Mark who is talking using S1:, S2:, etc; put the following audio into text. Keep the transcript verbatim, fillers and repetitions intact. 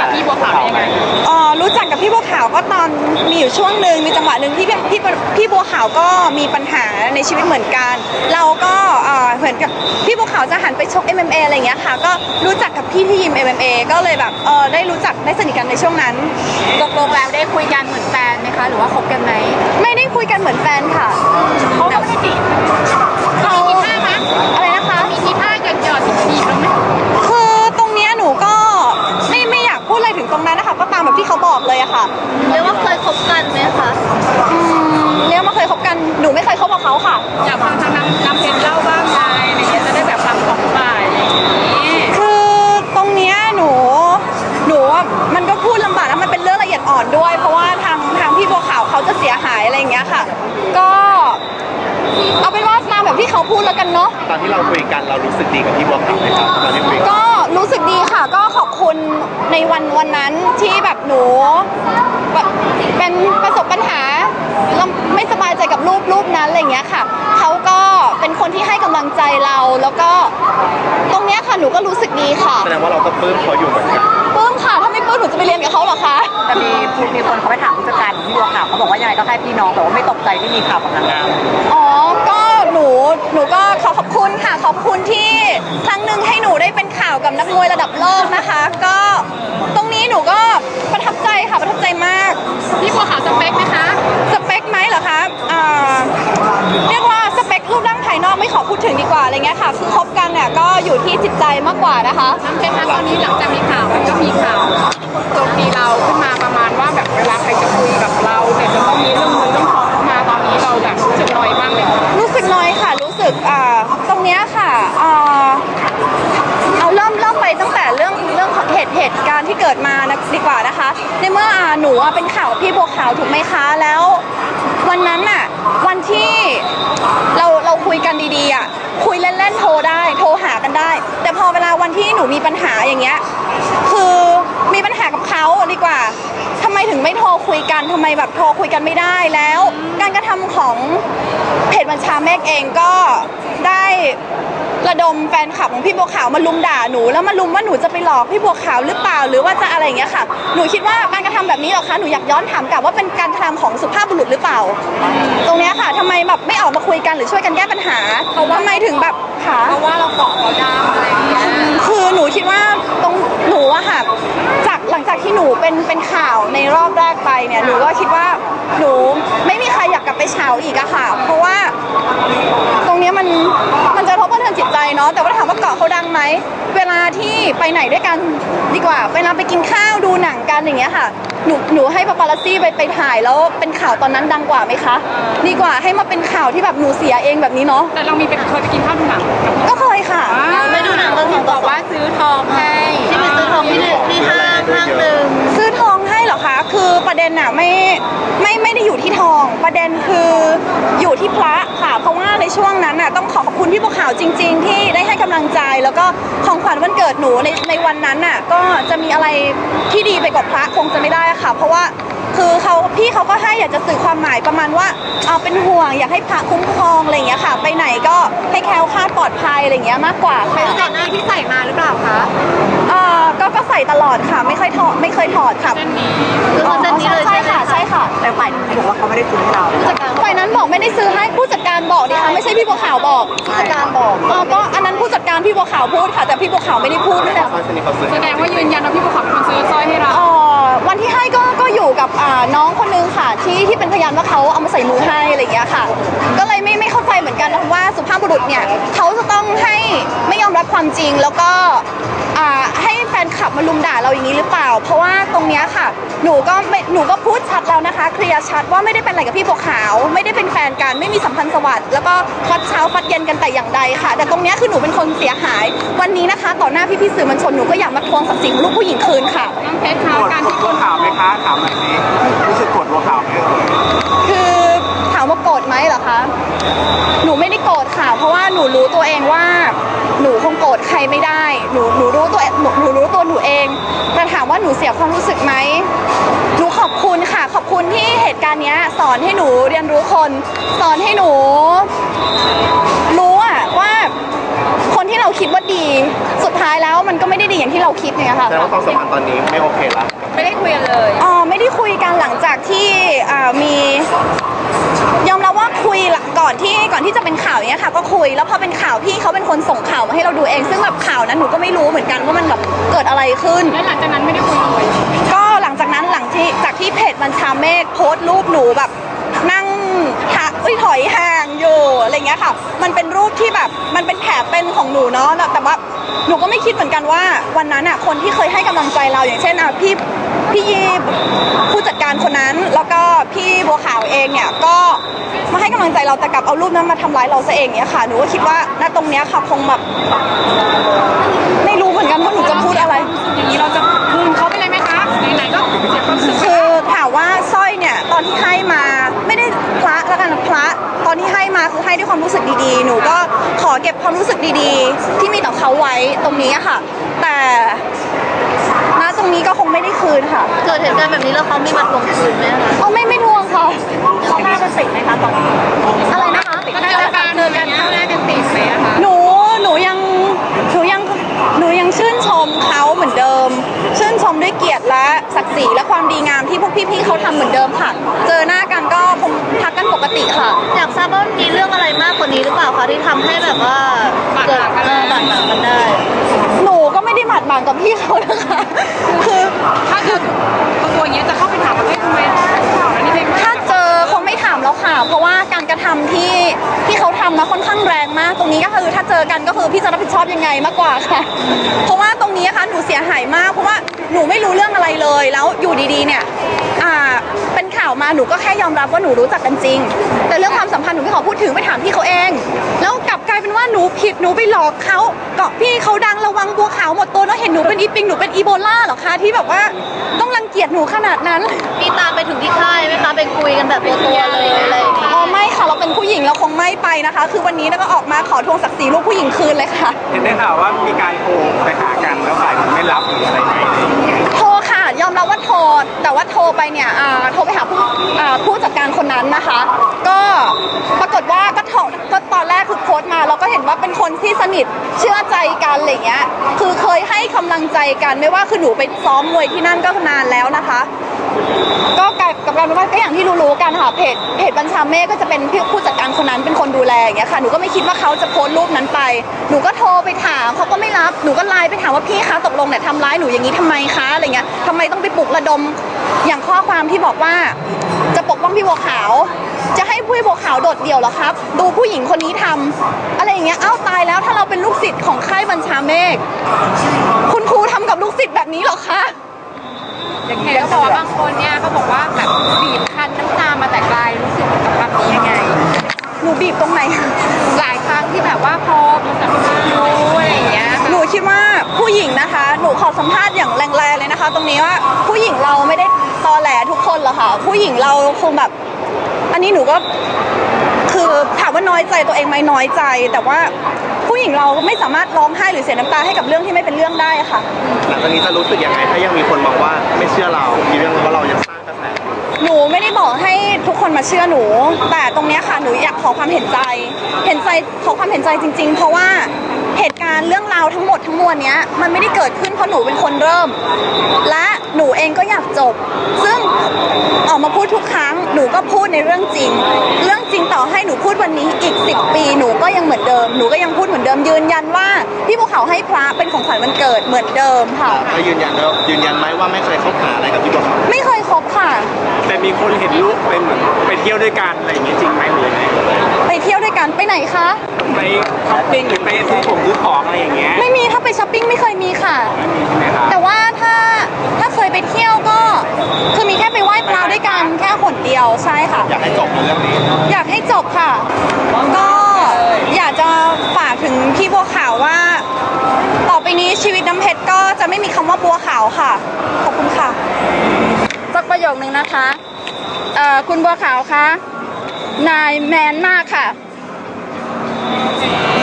S1: กับพี่บัวขาวได้ยังไง
S2: อ๋อรู้จักกับพี่บัวขาวก็ตอนมีอยู่ช่วงหนึ่งมีจังหวะหนึ่งที่พี่พี่บัวขาวก็มีปัญหาในชีวิตเหมือนกันเราก็เหมือนกับพี่บัวขาวจะหันไปชก เอ็ม เอ็ม เอ อะไรอย่างเงี้ยค่ะก็รู้จักกับพี่ที่ยิม เอ็ม เอ็ม เอ ก็เลยแบบเออได้รู้จักได้สนิทกันในช่วงนั้น
S1: ตกลงแล้วได้คุยกันเหมือนแฟนไหมคะหรือว่าคบกันไหม
S2: ไม่ได้คุยกันเหมือนแฟนค่ะ
S1: เขาก็ไม่ได้จีบเขามีท่าไหม
S2: อะไรนะคะ
S1: มีทีท่าหยอดหยอดจีบเราไหม
S2: คือตรงเนี้ยหนูก็ไม่ไม่อยากพูดอะไรถึงตรงนั้นนะคะก็ตามแบบที่เขาบอกเลยอะค่ะ
S1: เรียกว่าเคยคบกันไหมคะ
S2: อืมเรียกว่าเคยคบกันหนูไม่เคยคบกับเขาค่ะ
S1: อยากฟังทางน้ำน้ำเพชรเล่าบ้างไงอะไรเงี้ยจะได้แบบฟังของฝ่ายอะไรอย่างนี้
S2: คือตรงเนี้ยหนูหนูว่ามันก็พูดลำบากแล้วมันเป็นเรื่องละเอียดอ่อนด้วยเพราะว่าทางทางพี่บัวขาวเขาจะเสียหายอะไรอย่างเงี้ยค่ะก็เอาเป็นว่าตามแบบที่เขาพูดแล้วกันเนาะ
S3: ตอนที่เราคุยกันเรารู้สึกดีกับพี่บัวขาวไหมครับตอนที่คุย
S2: ก็รู้สึกดีค่ะก็ขอบคุณในวันวันนั้นที่แบบหนูเป็นประสบปัญหาแล้วไม่สบายใจกับรูปรูปนั้นอะไรอย่างเงี้ยค่ะเขาก็เป็นคนที่ให้กำลังใจเราแล้วก็ตรงเนี้ยค่ะหนูก็รู้สึกดีค่ะ
S3: แสดงว่าเราก็ปลื้มเขาอยู่เหมือนกัน
S2: ปลื้มค่ะถ้าไม่ปลื้มหนูจะไปเรียนกับเขาหรอคะ
S1: แต่มีมีคนเขาไปถามผู้จัดการของพี่บัวขาวเขาบอกว่ายังไงก็แค่พี่น้องแต่ว่าไม่ตกใจที่มีข่าวกับนางงาม
S2: อ๋อก็หนูหนูก็ขอขอบคุณค่ะขอบคุณที่ครั้งหนึ่งให้หนูได้เป็นข่าวกับนักมวยระดับโลกนะคะก็ตรงนี้หนูก็ประทับใจค่ะประทับใจมาก
S1: พี่บัวขาวสเปคไหมคะ
S2: สเปคไหมเหรอคะอ่าเรียกว่าสเปครูปร่างภายนอกไม่ขอพูดถึงดีกว่าอะไรเงี้ยค่ะคือคบกันเนี่ยก็อยู่ที่จิตใจมากกว่านะคะ
S1: น้ำเพชรตอนนี้หลังจากมีข่าวมันก็มีข่าวโจมตีเราขึ้นมาประมาณว่าแบบเวลาใครจะคุยกับเราเนี่ยจะต้องมีเรื่องเงินเรื่องทองเข้ามาตอนนี้เราแบบรู้สึกน้อยบ้างไหม
S2: รู้สึกน้อยค่ะรู้สึกอ่าตรงเนี้ยค่ะอ่าเอาเริ่มเริ่มไปตั้งแต่เรื่องเรื่องเหตุเหตุการณ์ที่เกิดมานะดีกว่านะคะในเมื่อหนูเป็นข่าวพี่บัวขาวถูกไหมคะแล้ววันนั้นน่ะวันที่เราเราคุยกันดีๆอ่ะคุยเล่นๆโทรได้โทรหากันได้แต่พอเวลาวันที่หนูมีปัญหาอย่างเงี้ยคือมีปัญหากับเขาดีกว่าทำไมถึงไม่โทรคุยกันทำไมแบบโทรคุยกันไม่ได้แล้วการกระทำของเพจบัญชาเมฆเองก็ได้ระดมแฟนคลับของพี่บัวขาวมาลุมด่าหนูแล้วมาลุมว่าหนูจะไปหลอกพี่บัวขาวหรือเปล่าหรือว่าจะอะไรอย่างเงี้ยค่ะหนูคิดว่าการกระทำแบบนี้หรอคะหนูอยากย้อนถามกลับว่าเป็นการกระทำของสุภาพบุรุษหรือเปล่าตรงเนี้ยค่ะทำไมแบบไม่ออกมาคุยกันหรือช่วยกันแก้ปัญหาทำไมถึงแบบค่ะ
S1: เพราะว่าเราเกาะเขาดังอะไรอย่างเงี้ย
S2: คือหนูคิดว่าตรงหนูอะค่ะจากหลังจากที่หนูเป็นเป็นข่าวในรอบแรกไปเนี่ยหนูก็คิดว่าหนูไม่มีใครอยากกลับไปเฉาอีกอะค่ะเพราะว่าตรงนี้มันมันจะทบกระเทือนจิตใจเนาะแต่ว่าถามว่าเกาะเขาดังไหมเวลาที่ไปไหนด้วยกันดีกว่าเวลาไปกินข้าวดูหนังกันอย่างเงี้ยค่ะหนูหนูให้ปาปารัสซี่ไปไปถ่ายแล้วเป็นข่าวตอนนั้นดังกว่าไหมคะดีกว่าให้มาเป็นข่าวที่แบบหนูเสียเองแบบนี้เนาะ
S1: แต่เรามีเคยไปกินข้าวดูหนัง
S2: ก็เคยค่ะ
S1: ไม่ดูหนังก็ถึงบอกว่าซื้อทองให้ที่ไปซื้อทองที่ที่ห้างห้างหนึ่ง
S2: ซื้อทองให้เหรอคะคือประเด็นอะไม่ไม่ไม่ได้อยู่ที่ทองประเด็นคืออยู่ที่พระค่ะเพราะว่าในช่วงนั้นน่ะต้องขอขอบคุณพี่บัวขาวจริงๆที่ได้ให้กำลังใจแล้วก็ของขวัญวันเกิดหนูในในวันนั้นน่ะก็จะมีอะไรที่ดีไปกว่าพระคงจะไม่ได้ค่ะเพราะว่าคือเขาพี่เขาก็ให้อยากจะสื่อความหมายประมาณว่าเอาเป็นห่วงอยากให้พระคุ้มครองอะไรอย่างเงี้ยค่ะไปไหนก็ให้แคล้วคลาดปลอดภัยอะไรอย่างเงี้ยมากกว่าค่ะ
S1: เป็นก่อนหน้าที่ใส่มาหรือเปล่าคะ
S2: เอ่อก็ก็ใส่ตลอดค่ะไม่เคยถอดไม่เคยถอดค่ะ
S1: เส้นนี้คือเส้นนี้เลย
S2: ใช่ค่ะใช่ค่ะ
S1: แต่ฝ่ายนั้นบอกว่าเขาไม่ได้ซื้อให้เรา
S2: ฝ่ายนั้นบอกไม่ได้ซื้อให้ผู้จัดการบอกดิค่ะไม่ใช่พี่บัวขาวบอก
S1: ผู้จัดการบอก
S2: อ๋อก็อันนั้นผู้จัดการพี่บัวขาวพูดค่ะแต่พี่บัวขาวไม่ได้พูดด้วยนะ
S1: แสดงว่ายืนยันว่าพี่บัวขาวเป็นคนซื้อสร้อยให้เรา
S2: อ๋อวันที่ให้ก็ก็อยู่กับน้องคนนึงค่ะที่ที่เป็นพยานว่าเขาเอามาใส่มือให้อะไรอย่างเงี้ยค่ะก็เลยไม่ไม่เข้าใจเหมือนกันนะว่าสุภาพบุรุษเนี่ยเขาจะต้องให้ไม่ยอมรับความจริงแล้วก็ให้แฟนคลับมาลุมด่าเราอย่างนี้หรือเปล่าเพราะว่าตรงเนี้ยค่ะหนูก็หนูก็พูดชัดแล้วนะคะเคลียร์ชัดว่าไม่ได้เป็นอะไรกับพี่บัวขาวไม่ได้เป็นแฟนกันไม่มีสัมพันธ์สวัสดิ์แล้วก็ฟัดเช้าฟัดเย็นกันแต่อย่างใดค่ะแต่ตรงเนี้ยคือหนูเป็นคนเสียหายวันนี้นะคะต่อหน้าพี่พี่สื่อมวลชนหนูก็อยากมาทวงศักดิ์ศรีของลูกผู้หญิงคืนค่ะ
S1: น้องเพชรคะการที่
S3: บัวขาวไหมคะถามหน่อยสิรู้สึกโกรธบัวขาวไหม
S2: คือถามว่าโกรธไหมเหรอคะหนูไม่ได้โกรธค่ะเพราะว่าหนูรู้ตัวเองว่าหนูคงโกรธใครไม่ได้หนูหนูรู้ตัวหนูหนูรู้ตัวหนูเองแต่ถามว่าหนูเสียความรู้สึกไหมหนูขอบคุณค่ะขอบคุณที่เหตุการณ์นี้สอนให้หนูเรียนรู้คนสอนให้หนูรู้อะว่าคนที่ที่เราคิดว่าดีสุดท้ายแล้วมันก็ไม่ได้ดีอย่างที่เราคิดเนี่ยค่ะ
S3: แต่ว่าความสัมพันธ์ตอนนี้ไม่โอเคแล้ว
S1: ไม่ได้คุยกันเลย
S2: อ๋อไม่ได้คุยกันหลังจากที่อ่ามียอมรับว่าคุยก่อนที่ก่อนที่จะเป็นข่าวอย่างเงี้ยค่ะก็คุยแล้วพอเป็นข่าวพี่เขาเป็นคนส่งข่าวมาให้เราดูเองซึ่งแบบข่าวนั้นหนูก็ไม่รู้เหมือนกันว่ามันแบบเกิดอะไรขึ้น
S1: แล้วหลังจากนั้นไม่ได้คุยเลย
S2: ก็หลังจากนั้นหลังที่จากที่เพจบัญชาเมฆโพสต์รูปหนูแบบนั่งทะอุ้ยถอยห่างอยู่อะไรเงี้ยค่ะมันเป็นรูปที่แบบมันเป็นแผลเป็นของหนูเนาะแต่ว่าหนูก็ไม่คิดเหมือนกันว่าวันนั้นอ่ะคนที่เคยให้กำลังใจเราอย่างเช่นอ่ะพี่พี่ยีผู้จัดการคนนั้นแล้วก็พี่บัวขาวเองเนี่ยก็มาให้กำลังใจเราแต่กลับเอารูปนั้นมาทำร้ายเราซะเองเนี่ยค่ะหนูก็คิดว่าณตรงเนี้ยค่ะคงแบบไม่รู้เหมือนกันว่าหนูจะพูดอะไร
S1: อย่างนี้เราจะคืนเขาไปเลยไหมคะไหนๆก็เสียความรู้สึก
S2: คือถามว่าสร้อยเนี่ยตอนที่ให้มาไม่ได้พระแล้วกันพระตอนที่ให้มาคือให้ด้วยความรู้สึกดีๆหนูก็ขอเก็บความรู้สึกดีๆที่มีต่อเขาไว้ตรงนี้ค่ะแต่ณตรงนี้ก็คงไม่ได้คืนค่ะ
S4: เกิดเหตุการณ์แบบนี้แล้วเขามีมาทวงคืนไหมคะ
S2: เอาไม่ไม่ทวงค่ะ
S4: เขาหน้าจะติดไหมคะตอนนี้
S2: อะไรนะคะ
S1: ถ้าเจอการเจอกันข้างหน้ากันติดไหมอะคะ
S2: หนูหนูยังหนูยังหนูยังชื่นชมเขาเหมือนเดิม ชื่นชมด้วยเกียรติและศักดิ์ศรีและความดีงามที่พวกพี่ๆเขาทำเหมือนเดิมค่ะ เจอหน้ากันก็คงทักกันปกติค่ะ
S4: อยากทราบว่ามีเรื่องอะไรมากกว่านี้หรือเปล่าคะที่ทำให้แบบว่าเกิดเออบาดหมางกันได้
S2: หนูก็ไม่ได้หมาดหมางกับพี่เขานะคะ คือ
S1: ถ้าเกิดตัวอย่างเงี้ยจะเข้าไปถามว่าเฮ้ยทำไมข่าวนั้นนี่เป็น
S2: ถ้าเจอคงไม่ถามแล้วค่ะ เพราะว่าการกระทำที่ที่เขาทำนะค่อนข้างแรงมาก ตรงนี้ก็คือถ้าเจอกันก็คือพี่จะรับผิดชอบยังไงมากกว่าค่ะ เพราะว่าตรงนี้ค่ะหนูเสียหายมาก เพราะว่าหนูไม่รู้เรื่องอะไรเลย แล้วอยู่ดีๆเนี่ยอ่าเป็นข่าวมาหนูก็แค่ยอมรับว่าหนูรู้จักกันจริง แต่เรื่องความสัมพันธ์หนูไม่ขอพูดถึงไปถามพี่เขาเอง แล้วกลับกลายเป็นว่าหนูผิดหนูไปหลอกเขาเกาะพี่เขาดังระวังบัวขาวหมดตัวแล้วเห็นหนูเป็นอีปิงหนูเป็นอีโบลาเหรอคะที่แบบว่าต้องรังเกียจหนูขนาดนั้น
S4: มีตามไปถึงที่ค่ายไหมคะไปคุยกันแบบตัวตัวๆเลยอะไรอย่างเงี้ย
S2: อ๋อไม่ค่ะเราเป็นผู้หญิงเราคงไม่ไปนะคะ คือวันนี้ก็ออกมาขอทวงศักดิ์ศรีลูกผู้หญิงคืนเลยค่ะ
S5: เห็นได้ข่าวว่ามีการโทรไปหากันแล้วฝ่ายมันไม่รับหรืออะไรไหม
S2: โทรค่ะยอมรับว่าโทรแต่ว่าโทรไปเนี่ยอ่าโทรไปหาผู้อ่าผู้จัดการคนนั้นนะคะ ก็ปรากฏว่าก็โทรก็ตอนแรกคือโพสต์มาเราก็เห็นว่าเป็นคนที่สนิทเชื่อใจกันอะไรเงี้ยคือเคยให้กำลังใจกันไม่ว่าคือหนูไปซ้อมมวยที่นั่นก็นานแล้วนะคะ ก็กลายกับการว่าก็อย่างที่รู้ๆกันค่ะเพจเพจบัญชาเมฆก็จะเป็นผู้จัดการคนนั้นเป็นคนดูแลอย่างเงี้ยค่ะหนูก็ไม่คิดว่าเขาจะโพสต์รูปนั้นไปหนูก็โทรไปถามเขาก็ไม่รับหนูก็ไลน์ไปถามว่าพี่คะตกลงเนี่ยทำร้ายหนูอย่างนี้ทำไมคะอะไรเงี้ยทำไมต้องไปปลุกระดมอย่างข้อความที่บอกว่าจะปกป้องพี่บัวขาวจะให้ผู้บัวขาวโดดเดี่ยวเหรอครับดูผู้หญิงคนนี้ทำอะไรอย่างเงี้ยเอ้าตายแล้วถ้าเราเป็นลูกศิษย์ของค่ายบัญชาเมฆคุณครูทำกับลูกศิษย์แบบนี้เหรอคะ
S1: อย่างเห็นเขาบอกว่าบางคนเนี่ยเขาบอกว่าแบบบีบคั้นน้ำตามาแต่ไกลรู้สึกกับคำนี้ยังไง
S2: หนูบีบตรงไหน
S1: หลายครั้งที่แบบว่าพอสัมภาษณ์รู้อะไรอย่างเงี้ย
S2: หนูคิดว่าผู้หญิงนะคะ หนูขอสัมภาษณ์อย่างแรงๆเลยนะคะ ตรงนี้ว่าผู้หญิงเราไม่ได้ตอแหลทุกคนหรอกค่ะ ผู้หญิงเราคงแบบ อันนี้หนูก็คือถามว่าน้อยใจตัวเองไหมน้อยใจ แต่ว่าผู้หญิงเราไม่สามารถร้องไห้หรือเสียน้ำตาให้กับเรื่องที่ไม่เป็นเรื่องได้ค่ะ
S3: หลังจากนี้จะรู้สึกยังไงถ้ายังมีคนบอกว่าไม่เชื่อเราคิดว่าเรายังสร้างกระแส
S2: หนูไม่ได้บอกให้ทุกคนมาเชื่อหนู แต่ตรงเนี้ยค่ะหนูอยากขอความเห็นใจ เห็นใจขอความเห็นใจจริง ๆ เพราะว่าเหตุการณ์เรื่องราวทั้งหมดทั้งมวลเนี้ยมันไม่ได้เกิดขึ้นเพราะหนูเป็นคนเริ่ม และหนูเองก็อยากจบ ซึ่งออกมาพูดทุกครั้งหนูก็พูดในเรื่องจริง เรื่องจริงต่อให้หนูพูดวันนี้อีกสิบปีหนูก็ยังเหมือนเดิมหนูก็ยังพูดเหมือนเดิมยืนยันว่าพี่ภูเขาให้พระเป็นของขวัญวันเกิดเหมือนเดิมค่ะ
S3: ก็ยืนยันแล้วยืนยันไหมว่าไม่เคยคบหาอะไรกับพี่บัวขาว
S2: ไม่เคยคบค่ะ
S5: แต่มีคนเห็นรูปเป็นเหมือนไปเที่ยวด้วยกันอะไรอย่างเงี้ยจริงไหมหรือไง
S2: ไปเที่ยวด้วยกันไปไหนคะ
S5: ไปช้อปปิ้งหรือไปซื้อของซื้อของอะไรอย่างเงี้ย
S2: ไม่มีถ้าไปช้อปปิ้งไม่เคยมีค่ะ
S5: ไม่มีใช่ไหมครับ
S2: แต่ว่าถ้าถ้าเคยไปเที่ยวก็คือมีแค่ไปไหว้พระด้วยกันแค่หนเดียวใช่ค่ะ
S3: อยากให้จบในเรื่องนี้
S2: อยากให้จบค่ะ ก็อยากจะฝากถึงพี่บัวขาวว่า ต่อไปนี้ชีวิตน้ำเพชรก็จะไม่มีคำว่าบัวขาวค่ะขอบคุณค่ะสักประโยคนึงนะคะเอ่อคุณบัวขาวคะนายแมนมากค่ะ